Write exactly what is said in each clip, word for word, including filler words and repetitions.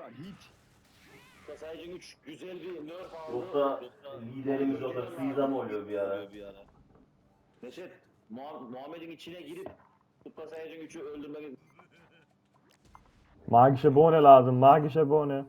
hiç. Sayacın üç güzel bir nerf aldı. Yoksa liderimiz o da Fiza mı oluyor bir ara? Neşet, Muha- Muhammed'in içine girip Tıpka Sayacın üçü öldürmek. Magische Bohne lazım. Magische Bohne.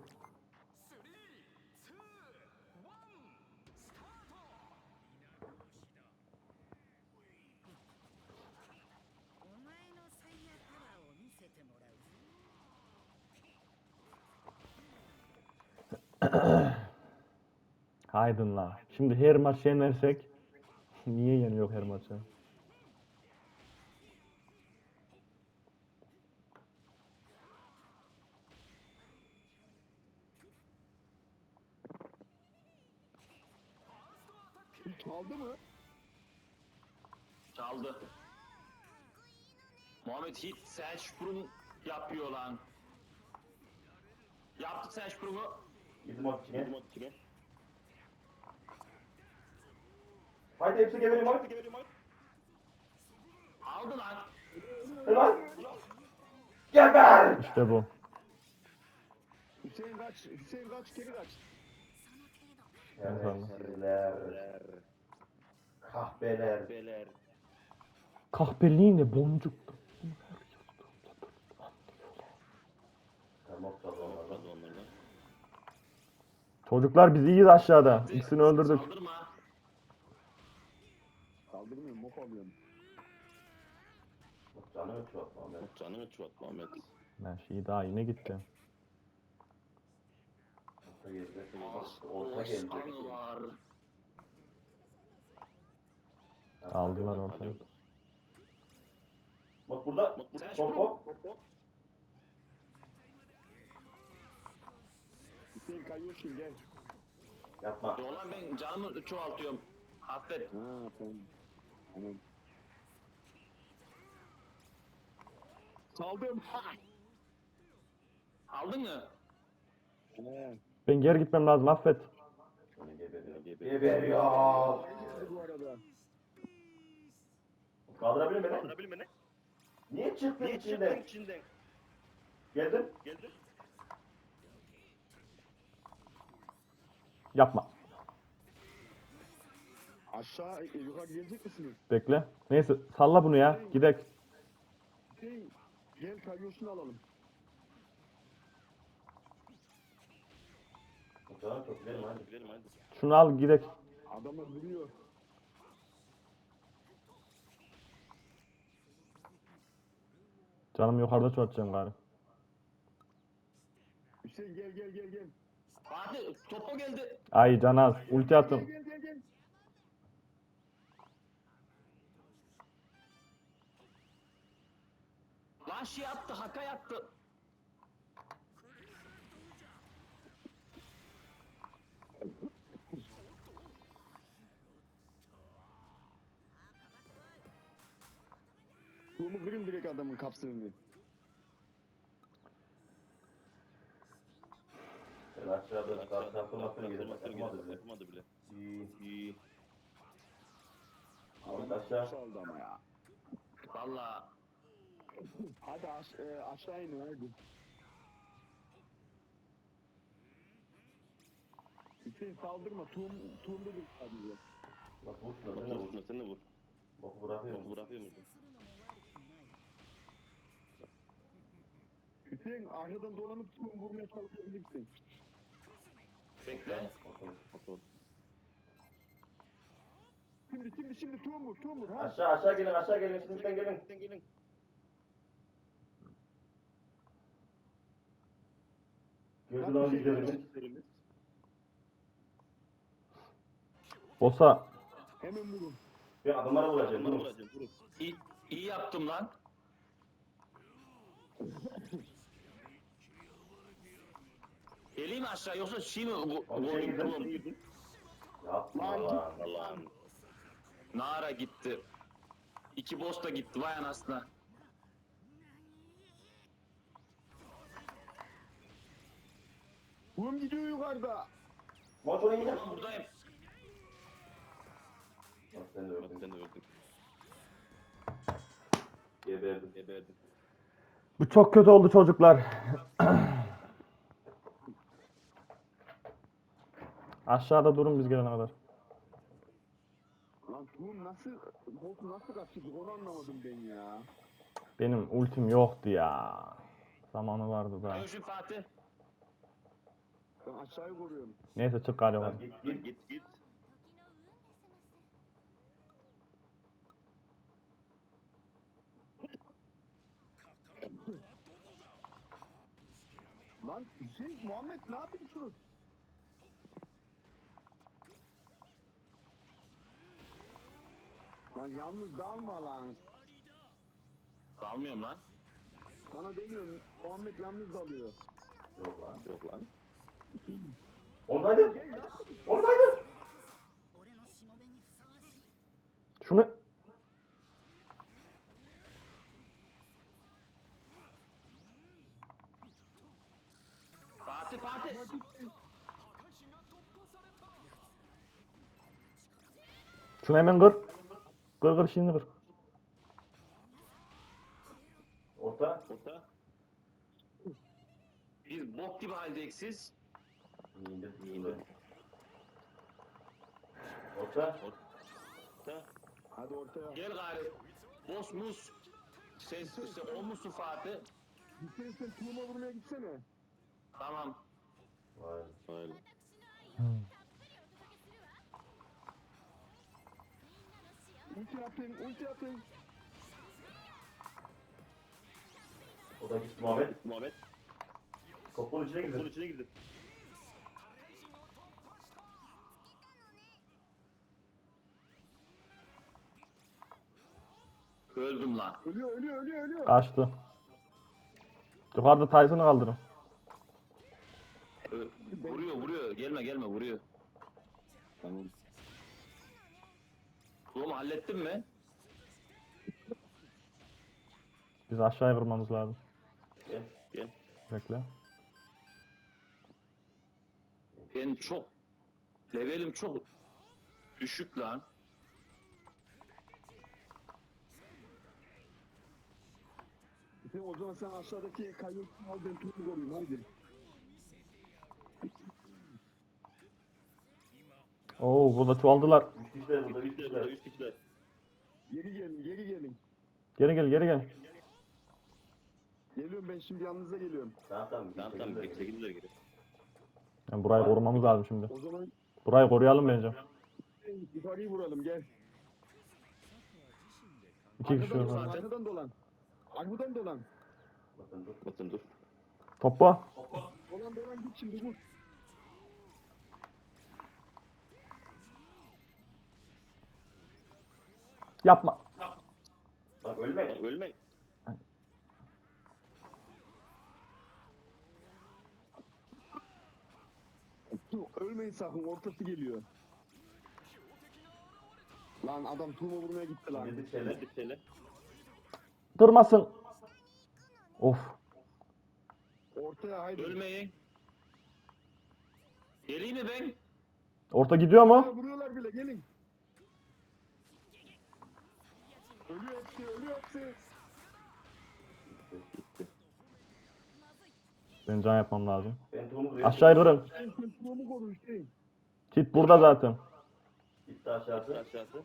Haydın la. Şimdi her maç yenersek niye yeniyor her maçı? Çaldı mı? Çaldı. Muhammed hit Selçuk'un yapıyor lan. Yaptık Selçuk'u. Bizim o içine. Haydi hepsi gebelim hadi. Aldı lan. Lan. Geber. İşte bu. Hüseyin kaç, Hüseyin kaç, geri kaç. Şerefsizler. Kahpeler. Beler. Kahpeliğine boncuk. Tamam tamam. Çocuklar biz iyiyiz aşağıda. İkisini öldürdük. Saldırma. Kaldırmıyorum, mok alıyorum. Canı ötü atma Ahmet. Canını çuvat Muhammed. Ben şey daha yine gitti. Orta gelecek. Orta gelecek. Osman var. Aldılar ortaya. Bak burada. Hop hop. Hüseyin kayıyorsun, gel. Yapma. Ulan ben canımı çoğaltıyorum. Affet. Ha, tamam. Tamam. Çaldım. Ha! Aldın mı? He. Ben geri gitmem lazım affet. Geberiyor. Geberiyor. Bu arada. Kaldırabilir mi? Kaldırabilir mi? Niye çıktın içinden? içinden? Geldin. Geldin. Yapma. Aşağı, e, yukarı gelecek misiniz? Bekle. Neyse salla bunu ya. Gidek. Hüseyin, gel kayıyorsun alalım. Tamam çok gidelim hadi. Gidelim hadi. Şunu al gidek. Adamlar vuruyor. Canım yukarıda çoğaltacağım gari. Hüseyin gel gel gel gel. Fatih topa geldi. Ay Canaz. Ulti Gel attım. gel gel gel. Lan şey attı, haka yattı. Bunu kırın direkt adamın kapsını. Ben aşağıda karşı takılmasını gidip takılmadı bile. Yapmadı bile. İyi. İyi. Ahmet aşağı. Çaldı ama ya. Valla. Hadi aş e, aşağı inin hadi. Hüseyin saldırma. Tuğum, tuğumda dur sadece. Bak vur şuna sen de vur. Sen de vur. Bak bırakıyor musun? Bırakıyor musun? Hüseyin arkadan dolanıp tuğum vurmaya çalışabilirsin. Bekle. Şimdi şimdi şimdi tuğum vur tuğum vur. Ha? Aşağı aşağı gelin aşağı gelin. Şimdiden gelin. Gelin. Gördün lan liderimiz. Bosa. Hemen vurun. Ben adamlara vuracağım. Vurun. İyi, iyi yaptım lan. Geleyim mi aşağı yoksa şey mi? Bu, Abi şey girdin. Yapma Lan lan. Allah'ım. Nara gitti. İki boss da gitti vay anasına. Tuğum gidiyor yukarıda. Motoru yine. Ulan buradayım. Bak sen de öldün. Sen de öldün. Geberdim. Geberdim. Bu çok kötü oldu çocuklar. Aşağıda durun biz gelene kadar. Lan Tuğum nasıl, botu nasıl kaçırdı onu anlamadım ben ya. Benim ultim yoktu ya. Zamanı vardı da. Ayşe Fatih. Ben aşağıyı koruyorum. Neyse çık galiba. Lan git git git git. Lan Hüseyin, Muhammed ne yapıyorsunuz? Lan yalnız dalma lan. Kalmıyorum lan. Sana demiyorum, Muhammed yalnız dalıyor. Yok lan. Yok lan. Oradaydı. Oradaydı. Şunu Fatih Fatih. şunu hemen kır. Kır kır şimdi kır. Orta. Orta. Biz bok gibi haldeyiz siz. İndir indir. Orta. Orta. Hadi ortaya. Gel gari. Boss mus. Sen, sen o musun Fatih? Hüseyin sen Tuğum'a vurmaya gitsene. Tamam. Vay. Öyle. Ulti atın, ulti atın. O da gitti Muhammed. Muhammed. Topun içine Bunun girdi. içine girdi. Öldüm lan. Ölüyor, ölüyor, ölüyor, ölüyor. Kaçtı. Yukarıda Tyson'ı kaldırın. Ö- vuruyor vuruyor. Gelme gelme vuruyor. Tamam. Oğlum hallettin mi? Biz aşağıya vurmamız lazım. Gel gel. Bekle. Ben çok levelim çok düşük lan. Hüseyin o zaman sen aşağıdaki kayyotunu al, ben Tuğum'u koruyayım, hadi. Oo burada çoğaldılar. Üç kişiler burada. Üç kişiler. Üç kişiler. Geri gelin, geri gelin. Geri gel geri gel. Geliyorum ben şimdi yanınıza geliyorum. Tamam tamam. Tamam tamam bekle gidiyor geri. Yani burayı korumamız lazım şimdi. O zaman Burayı koruyalım bence. yukarıyı vuralım, gel. İki kişi Arkadan dolan, var. arkadan dolan. Arkadan dolan. Bakın dur. Bakın dur. Topla. Dolan dolan git şimdi vur. Yapma. Bak ölme. Bak, ölme. Dur, ölmeyin sakın, ortası geliyor. Lan adam Tuğum'a vurmaya gitti lan. Dedik şeyler. Bir şeyle. Durmasın. Of. Ortaya haydi. Ölmeyin. Geleyim mi ben? Orta gidiyor Aa, mu? vuruyorlar bile, gelin. Ölüyor hepsi, ölüyor hepsi. Ben can yapmam lazım. Ben Tuğum'u duyuyorum. Aşağıya kırın. Sen sen Tuğum'u koru Hüseyin. Kit burada zaten. Gitti aşağısı. Aşağısı.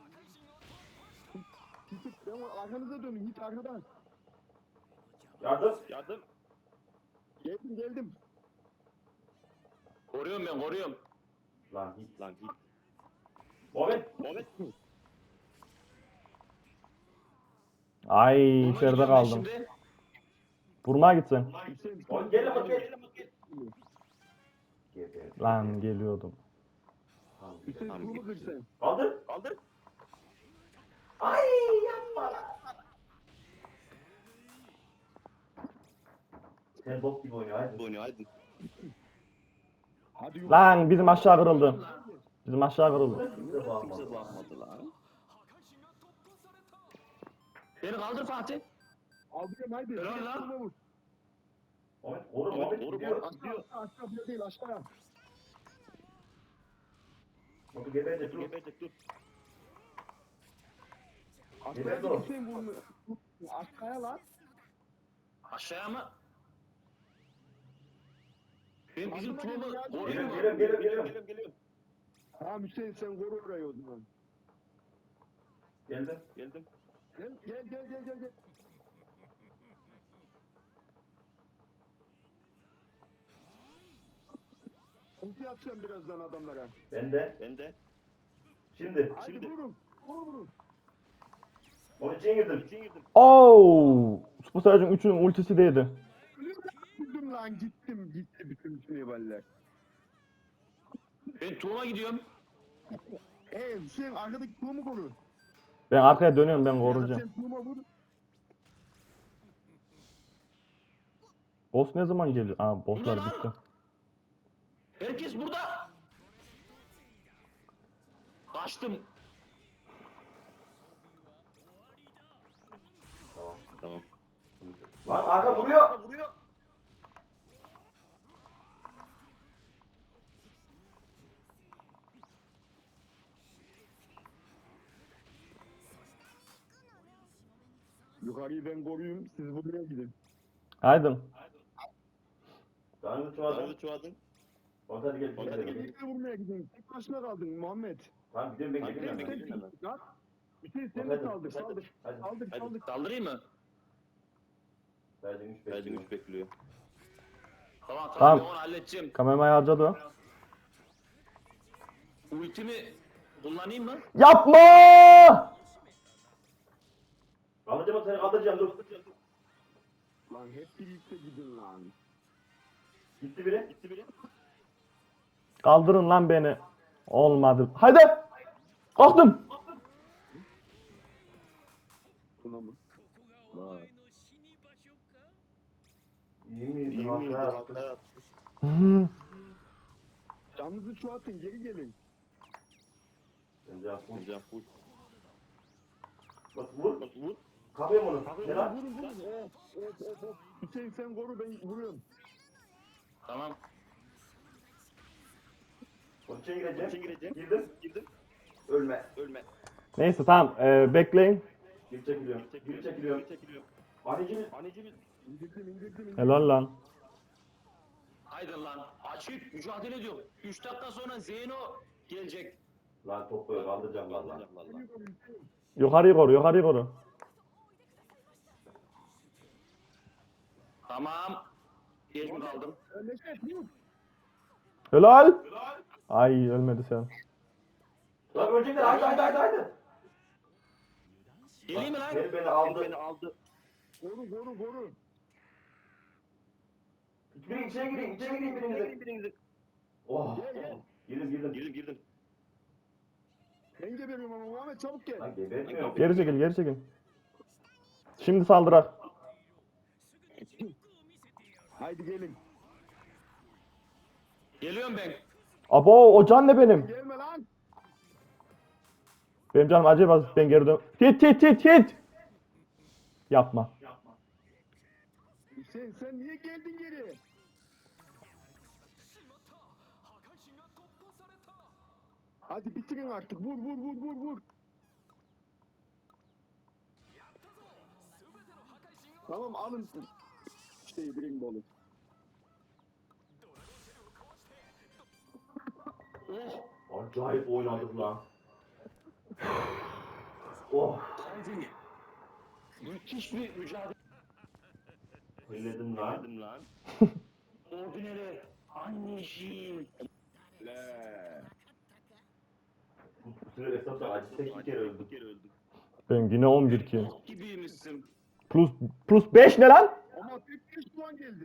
Git, ben arkanıza dönün, git arkadan. Yardım. Yardım. Geldim, geldim. Koruyorum ben koruyorum. Lan git. Lan git. Muhammed. Muhammed. Ay Vurmaya içeride gidiyorum ben kaldım. şimdi. Vurmaya gitsin. Hüseyin, Oğlum gel lan gel. Gel gel. Lan geliyordum. Tamam. Hüseyin Tamam, Tuğum'u kır git. sen. Kaldır. Kaldır. Ay yapma lan. Sen bok gibi oynuyor hadi. Oynuyor hadi. Hadi yukarı. Lan bizim aşağı kırıldı. Bizim aşağı kırıldı. Kimse bağırmadı. Kimse bakmadı lan. Beni kaldır Fatih. Aldırıyorum haydi. Helal Hüseyin lan. Tuğum'a vur. Muhammed koru Muhammed, Muhammed koru, gidiyor. koru. Gidiyor. Aşağı, aşağı bile değil, aşağı. Muhammed geberecek dur. Gebercek dur. Aşağıya Nerede git o? Hüseyin vurma. Aşağıya lan. Aşağıya mı? Ben bizim Aklıma Tuğum'u geldi ya. koruyorum. Geliyorum, geliyorum, geliyorum, geliyorum. geliyorum, geliyorum. Tamam Hüseyin sen koru orayı o zaman. Geldim. Geldim. Gel gel gel gel gel. gel. Ulti atacağım birazdan adamlara. Ben de. Ben de. Şimdi. Hadi Şimdi. vurun. Vurun vurun. Onun için girdim. İçine girdim. Oo! Super Saiyan üçün ultisi değdi. Gittim lan gittim gitti bütün şevaller. Ben Tuğum'a gidiyorum. Eee Hüseyin arkadaki tuğumu koru. Ben arkaya dönüyorum, ben Ya da koruyacağım. sen tuğuma vur. Boss ne zaman geliyor? Aa, bosslar Burada lan. bitti. Herkes burada. Kaçtım. Tamam. Tamam. Lan arka vuruyor. Vuruyor. Yukarıyı ben koruyayım siz buraya gidin. Haydi. Canını çoğaldın. Bana çuvadın. Hadi gel. Hadi Hadi gel. gel. Birlikte vurmaya gidin. Tek başına kaldın Muhammed. Tamam gidiyorum ben Hadi geliyorum. gel, ben. gel. Sen sen lan. Hüseyin sen Hadi, de saldır hadi, saldır. hadi. Saldır Hadi saldır. saldırayım mı? Sadece üç Sadece bekliyorum. üç bekliyor. Tamam tamam, Tamam. ben onu halledeceğim. Kameramayı harcadı o. Ultimi kullanayım mı? Yapma! Alacağım seni kaldıracağım dur. Lan hep birlikte gidin lan. Gitti biri. Gitti biri. Kaldırın lan beni. Olmadı. Haydi! Kalktım. Buna mı? Vay. İyi miydi? İyi miydi? Hatta- Hatta- Hı. Canınızı çoğaltın geri gelin. Bence yapma. Hocam full. Bak vur. Bak vur. Kapayım onu. Vurun Ne lan? vurun vurun. Of of of of. Hüseyin sen koru ben vuruyorum. Tamam. Onun için gireceğim. İçine gireceğim. Girdim. Girdim. Ölme. Ölme. Neyse tamam, ee, bekleyin. Geri çekiliyorum. Geri çekiliyorum. Çekiliyorum. Anneciğim. Anneciğim. İndirdim indirdim indirdim. Helal lan. Haydi lan. Açık mücadele ediyor. üç dakika sonra Zeyno gelecek. Lan topu kaldıracağım lan lan. Yukarıyı koru, yukarıyı koru. Tamam. Geç mi kaldım? Ee, Neşet vur. Helal. Ay ölmedi sen. Lan ölecekler. Haydi haydi haydi haydi. Geleyim mi lan? Beni beni aldı. Beni aldı. Koru koru koru. Girin içeri girin. İçeri girin birinize. Birinizi. Oh. Gel, gel. Girdim girdim. Girdim girdim. Ben geberiyorum ama Muhammed çabuk gel. Lan gebertmiyor. Geri çekil, geri çekil. Şimdi saldırak. Haydi gelin. Geliyorum ben. Abo, o can ne benim? Gelme lan. Benim canım acayip az, ben geri dön. Hit hit hit hit. Yapma. Hüseyin sen niye geldin geri? Hadi bitirin artık. Vur vur vur vur vur. Tamam alın. Şeyi Dragon Ball'u. Oh. Acayip oynadık lan. Oh. Hadi. Müthiş bir mücadele. Elledim lan. Dedim lan. Ordinary. Anneciğim. Le. Bu süre hesapta acı tek bir kere öldüm. Bir kere öldüm. Ben yine on bir kill. Bok gibiymişsin. Plus plus beş ne lan? Ama tek bir puan geldi.